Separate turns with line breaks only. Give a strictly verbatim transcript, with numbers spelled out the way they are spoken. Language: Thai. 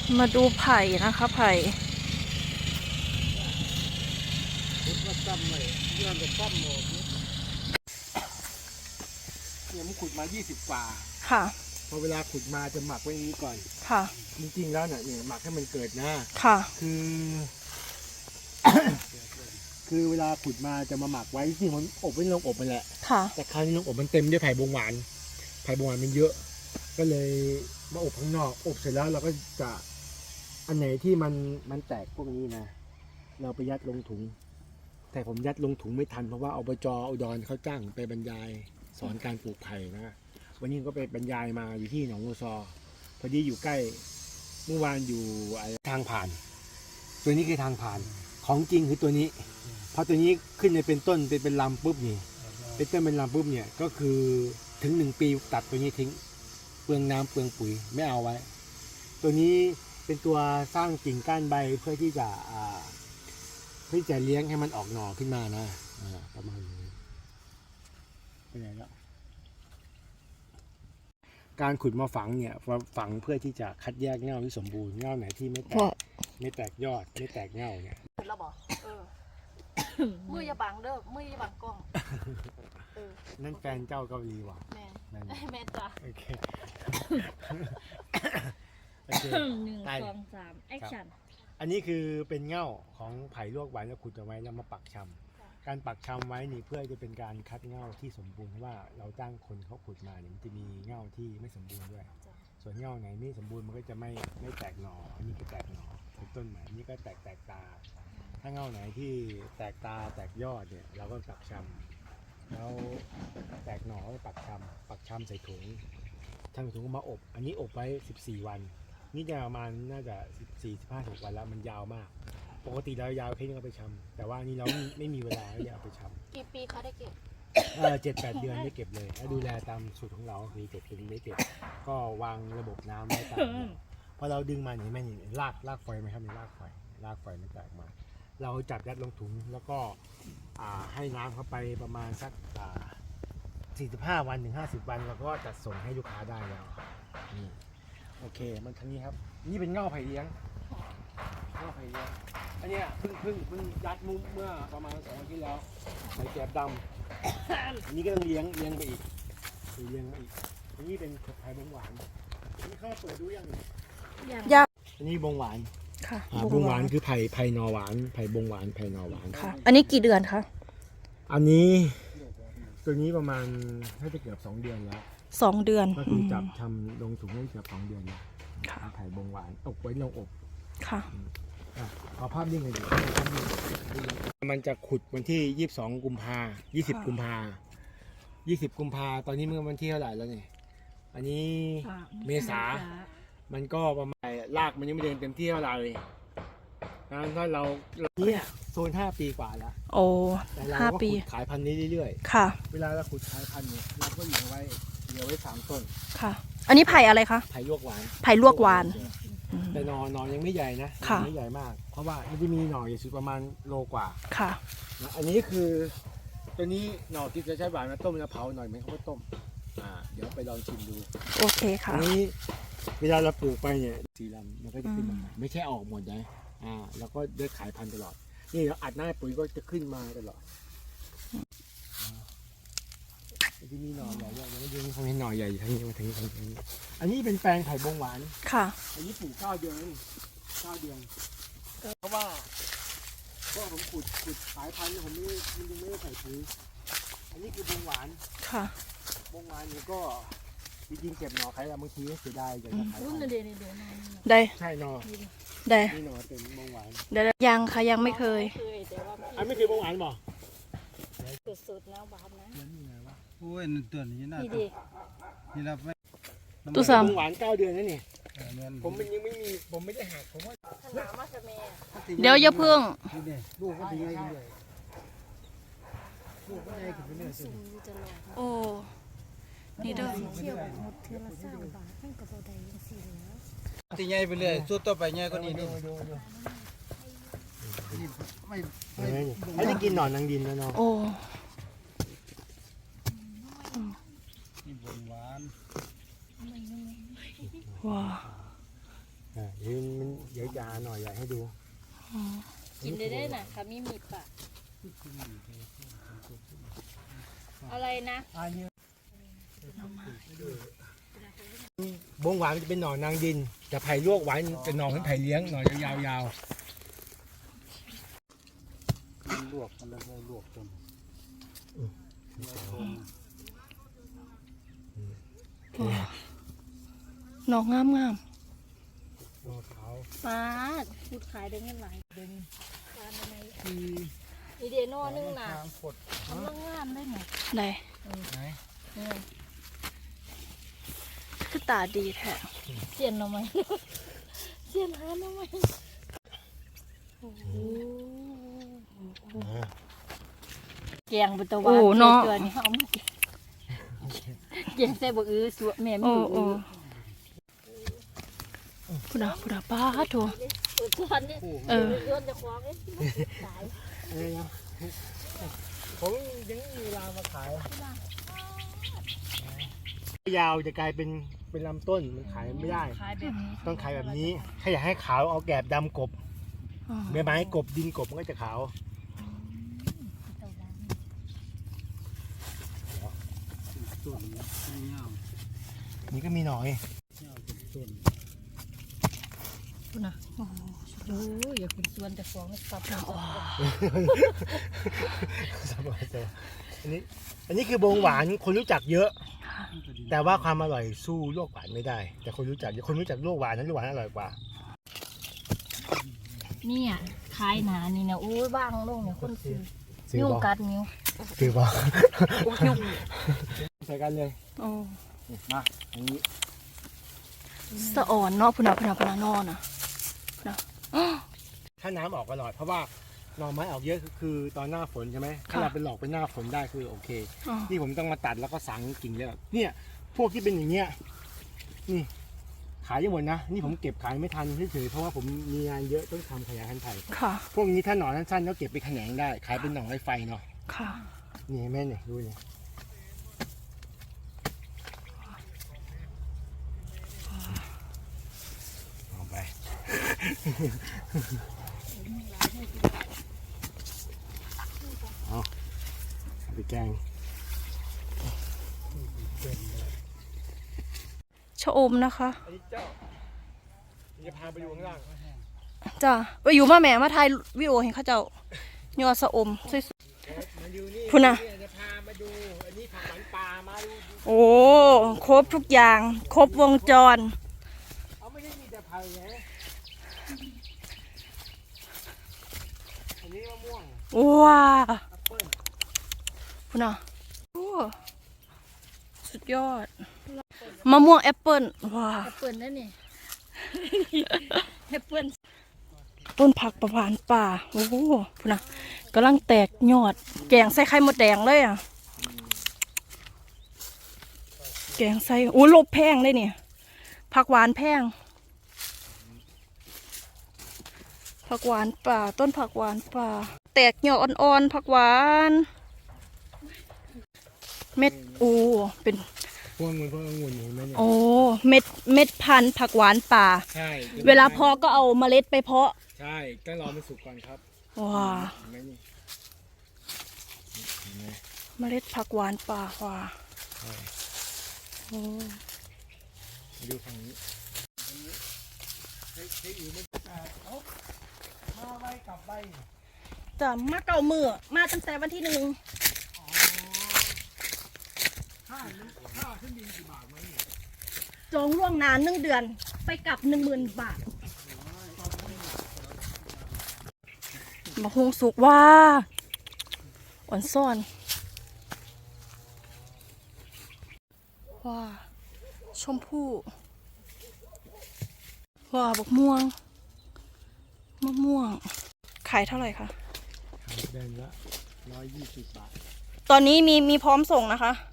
มาดูไผ่นะคะไผ่
ว่าซ้ำเลยเรื่องจะซ้ำหมดเนี่ยมันขุดมายี่สิบกว่า
ค่ะ
พอเวลาขุดมาจะหมักไว้อย่างนี้ก่อน
ค่ะ
จริงๆแล้วเนี่ยหมักให้มันเกิดนะ
ค่ะ
คือ คือเวลาขุดมาจะมาหมักไว้จริงมันอบไว้ในโรงอบมันแหละ
ค่ะ
แต่คราวนี้โรงอบมันเต็มด้วยไผ่บงหวานไผ่บงหวานมันเยอะก็เลยมาอบข้างนอกอบเสร็จแล้วเราก็จะอันไหนที่มันมันแตกพวกนี้นะเราไปยัดลงถุงแต่ผมยัดลงถุงไม่ทันเพราะว่าอบจอุดรเขาจ้างไปบรรยายสอนการปลูกไผ่นะวันนี้ก็ไปบรรยายมาอยู่ที่หนองวัวซอพอดีอยู่ใกล้เมื่อวานอยู่ทางผ่านตัวนี้คือทางผ่านของจริงคือตัวนี้พอตัวนี้ขึ้นในเป็นต้นเป็นเป็นลำปุ๊บนี่เป็นต้นเป็นลำปุ๊บเนี่ยก็คือถึงหนึ่งปีตัดตัวนี้ทิ้งเปลืองน้ำเปลืองปุ๋ยไม่เอาไว้ ตัวนี้เป็นตัวสร้างกิ่งก้านใบเพื่อที่จะเพื่อจะเลี้ยงให้มันออกหน่อขึ้นมานะประมาณนี้เป็นไงแล้วการขุดมาฝังเนี่ยฝังเพื่อที่จะคัดแยกเง่าที่สมบูรณ์เง่าไหนที่ไม่แตกไม่แตกยอดไม่แตกเง่าเนี่ย
เราบอกเออมืออย่าบังเด้อมืออย่าบังกล้องเออ
นั่นแฟนเจ้าเกาหลีว่ะ
แม่แม่จ้า
โอเค
หนึ่งสองสามแอคชั่น
อันนี้คือเป็นเง่าของไผ่ลวกหวานแล้วขุดเอาไว้แล้วมาปักชำการปักชำไว้นี่เพื่อจะเป็นการคัดเง่าที่สมบูรณ์เพราะว่าเราจ้างคนเขาขุดมาเนี่ยมันจะมีเง่าที่ไม่สมบูรณ์ด้วยส่วนเง่าไหนไม่สมบูรณ์มันก็จะไม่ไม่แตกหน่ออันนี้ก็แตกหน่อเป็นต้นใหม่อันนี้ก็แตกแตกตาถ้าเง่าไหนที่แตกตาแตกยอดเนี่ยเราก็ปักชำแล้วแตกหน่อก็ปักชำปักชำใส่ถุงทางถุงก็มาอบอันนี้อบไว้สิบสี่วันนี่จะประมาณน่าจะสิบสี่ สิบห้า ถึงวันแล้วมันยาวมากปกติเรายาวแค่นี้ก็ไปชำแต่ว่านี่เราไม่มีเวลาที่จะเอาไปชำ
กี่ปีเขาได้เก็บ
เออเจ็ดแปดเดือนได้เก็บเลยถ้าดูแลตามสูตรของเราคือเจ็ดปีได้เก็บก็วางระบบน้ำไว้ตามพอเราดึงมาเนี่ยแม่นี่ลากลากไฟไหมครับนี่ลากไฟลากไฟมันแตกมาเราจับยัดลงถุงแล้วก็ให้น้ำเข้าไปประมาณสักสี่สิบห้าวันถึงห้าสิบวันเราก็จัดส่งให้ลูกค้าได้แล้วนี่โอเคมันทั้งนี้ครับนี่เป็นเง่าไผ่เลี้ยงเง่าไผ่เลี้ยงอันนี้เพิ่งเพิ่งเพิ่งยัดมุ้งเมื่อประมาณสองวันที่แล้วไผ่แกบดำอันนี้ก็ต้องเลี้ยงเลี้ยงไปอีกเลี้ยงไปอีกอันนี้เป็นไผ่บงหวานอันนี้เข้าเปิดดูยัง
ยัง
อันนี้บงหวาน
ค่ะ
บงหวานคือไผ่ไผ่นอหวานไผ่บงหวานไผ่นอหวาน
ค่ะอันนี้กี่เดือนคะ
อันนี้ตัวนี้ประมาณน่าจะเกือบสองเดือนแล้ว
สองเดือน
ก็คือจับทำลงถุงได้เกือบสองเดือนไผ่บงหวานตกไว้ลงอบ
ค่ะ
เอาภาพนิ่งเลยดิมันจะขุดวันที่ยี่สิบสองกุมภายี่สิบกุมภายี่สิบกุมภาตอนนี้เมื่อวันที่เท่าไหร่แล้วเนี่ยอันนี้เมษามันก็ประมาณรากมันยังไม่เดินเต็มที่เท่าไหร่งั้นถ้าเราเนี่ยโซนห้าปีกว่าแล้ว
โอ้ห้าปี
ขายพันธุ์นี้เรื่อย
ๆค่ะ
เวลาเราขุดขายพันธุ์เนี่ยเราก็เหลือไว้เหลือไว้สามต้น
ค่ะอันนี้ไผ่อะไรคะ
ไผ่ลวกหวาน
ไผ่ลวกหวาน
แต่หน่อหน่อยังไม่ใหญ่นะไม่ใหญ่มากเพราะว่ามันจะมีหน่ออยู่สุดประมาณโลกว่า
ค่ะ
อันนี้คือตัวนี้หน่อที่จะใช้หวานมาต้มแล้วเผาหน่อยไหมเขาก็ต้มอ่าเดี๋ยวไปลองชิมดู
โอเคค่ะ
อันนี้เวลาเราปลูกไปเนี่ยสีลำมันก็จะขึ้นมาไม่ใช่ออกหมดนะอ่าแล้วก็ได้ขายพันธุ์ตลอดนี่เราอัดหน้าปุ๋ยก็จะขึ้นมาตลอดที่มีหน่อใหญ่ๆยังไม่ยืนเขาเห็นหน่อใหญ่ทั้งนี้มาทั้งนี้ทั้งนี้อันนี้เป็นแปลงไผ่บงหวาน
ค่ะ
อันนี้ปลูกเก้าเดือนนี่เก้าเดือนเพราะว่าเพราะผมขุดขุดขายพันธุ์ผมไม่มันยังไม่ได้ใส่ปุ๋ยอันนี้คือบงหวาน
ค่ะ
บงหวานนี่ก็จริงๆเก็บหน่อขายแล้วบางทีเสียดายอยากจะขาย
ได้
ใช่หน่อ
ได้
นี่หน่อเป็นบงหวาน
ได้ยังค่ะยังไม่เคย
อันไม่เคยบงหวานบ่
สุดๆนะหวานนะ
โอ้ยตัวนี้น่า
ดี
นี่เราไม่
ตู้ซ้
ำหวานเก้าเดือนนั่นนี่ผมมันยังไม่มีผมไม่ได้หักผมว่า
หนามาสเม
ย์เดี๋ยวอย่าเพิ่ง
ลูกก็ถึงไงกันเลยลูกก็ไงกันไปเรื่อย
โอ้นี่เด้อ
เที่ยวหมดเทือละสามบาทนั่นก็บ่ได้ยังสี่แล้ว
ตีใหญ่ไปเลยสุดต่อไปใหญ่กว่านี้นี่
ไม่ไม่ได้กินหนอนนางดินแล้วเนาะ
โอ้
นี่บงหวาน
ว้า
อ่าเดี๋ยวมันเดี๋ยวยาหน่อยอยากให้ดู
อ๋อ
กินได้ได้น่ะค่ะมีมีดปะอะไรนะ
บงหวานมันจะเป็นหน่อนางดินแต่ไผ่ลวกหวานเป็นหน่อเป็นไผ่เลี้ยงหน่อยาวๆ
ลวกมันแล้วก็ลวกจน
หนอกงามงาม
หน่อขาว
ปาดพูดขายได้เงินหลายเด้งปานอะไร
คือ
อีเดโน่นึงน่ะ
ทางกด
กำลังงามได้ไหม
ไหน
ไหน
เนี่ย
คือตาดีแท้
เสียนเอาไหมเสียนหาเอาไหมแกงบุตรวานเกลือนี่เขาไม่แกงใส่บะอื้อสัวแม่ไม่
โอ้
รู้
โอ้พุดาพุดาป้าโถ
ส่วนนี่
เออ
โยนจะคว้างเอ้ยตาย
อะไรนะผมยังมีเวลามาขายยาวจะกลายเป็นเป็นลำต้นมันขายไม่ได้
ขายแบบนี้
ต้องขายแบบนี้ถ้าอยากให้ขาวเอาแกบดำกบ
อ๋อ
ใบไม้กบดินกบมันก็จะขาว
ต้นเงา
นี่ก็มีหน่อย
เงาเป็นต้น
คุณน่ะโอ้โหอย่าคุณส่วนจะคว้างสับ
อันนี้อันนี้คือบงหวานคนรู้จักเยอะ แต่ว่าความอร่อยสู้ลวกหวานไม่ได้ แต่คนรู้จักคนรู้จักลวกหวานนั้นลวกหวานอร่อยกว่า
เนี่ยขายหนานี่นะโอ้ยบ้างลงเนี่ยคนซื้อ
ซื้อ
ยุ่ง
บอก
กัดนิ้ว
ซื้อบอก
ยุ่ง
ใส่กันเลย
โอ้
มาอันนี้
สะอ่อนเนาะพุดาพุดาพุดานอนอ่ะพุดา
ถ้าน้ำออกอร่อยเพราะว่าหน่อไม้ออกเยอะคือตอนหน้าฝนใช่ไหมถ้าเราเป็นหลอกเป็นหน้าฝนได้คือโอเค
อ๋อ
นี่ผมต้องมาตัดแล้วก็สังกิ่งเลยแบบเนี่ย พวกที่เป็นอย่างเงี้ยนี่ขายยังหมดนะนี่ผมเก็บขายไม่ทันเฉยๆเพราะว่าผมมีงานเยอะต้องทำขยายพันธุ์ไผ่
ค่ะ
พวกนี้ถ้าหน่อสั้นๆก็เก็บไปแขนงได้ขายเป็นหน่อไม้ไฟเนาะ
ค่ะ
นี่เห็นไหมเนี่ยดูเนี่ยเอาไป เอาเอาไปแกง
ชะอมนะคะ
อันนี้เจ้าจะพาไปดูข้างล่าง
จ้ะไปอยู่มาแหม่มาถ่ายวิดีโอเห็นเขาเจ้าโยอสะอมสวย
มาดูนี่
พุ่นน่ะ
จะพามาดูอันนี้ผักหวานปลามาดู
ๆโอ้ครบทุกอย่าง ครบวงจร
เอาไม่ได้มีแต่ไผ่ไงอันนี้มะม่วง
ว้า
แอปเปิ้ล
พุดาโอ้สุดยอดมะม่วงแอปเปิ้ลว้า
แอปเปิลนั่นนี่แอปเปิล
ต้นผักประพานป่าโอ้โหพุดากำลังแตกยอด แกงใส่ไข่มดแดงเลยอ่ะแกงใส่โอ้ลบแพงเลยเนี่ยผักหวานแพงผักหวานป่า ต้นผักหวานป่า แตกยอดอ่อนๆผักหวาน เม็ดโอ้เป็น
พวกมันพวกองุ่นเห็นไหมเนี่ย
โอ้เม็ดเม็ดพันธุ์ผักหวานป่า
ใช่
เวลาเพาะก็เอาเมล็ดไปเพาะ
ใช่ต้องรอมันสุกก่อนครับ
ว้า
เห็นไหมนี่เห็นไหม
เมล็ดผักหวานป่าว้า
ใช่
โอ้
มาดูฝั่งนี้ใช้ใช้อยู่มันเอามาไว้กลับใบ
จะมาเก่ามือมาตั้งแต่วันที่หนึ่ง
ค่าน้ำค่าขึ้นบินกี่บาทไหมเนี่ย
จองล่วงหนานหนึ่งเดือน ไปกลับหนึ่งหมื่นบาทมาคงสุกว่าอ่อนซ่อนว้าชมพู่ว้าบักม่วงมะม่วง ขายเท่าไหร่คะ
เดือนละร้อยยี่สิบบาท
ตอนนี้มีมีพร้อมส่งนะคะ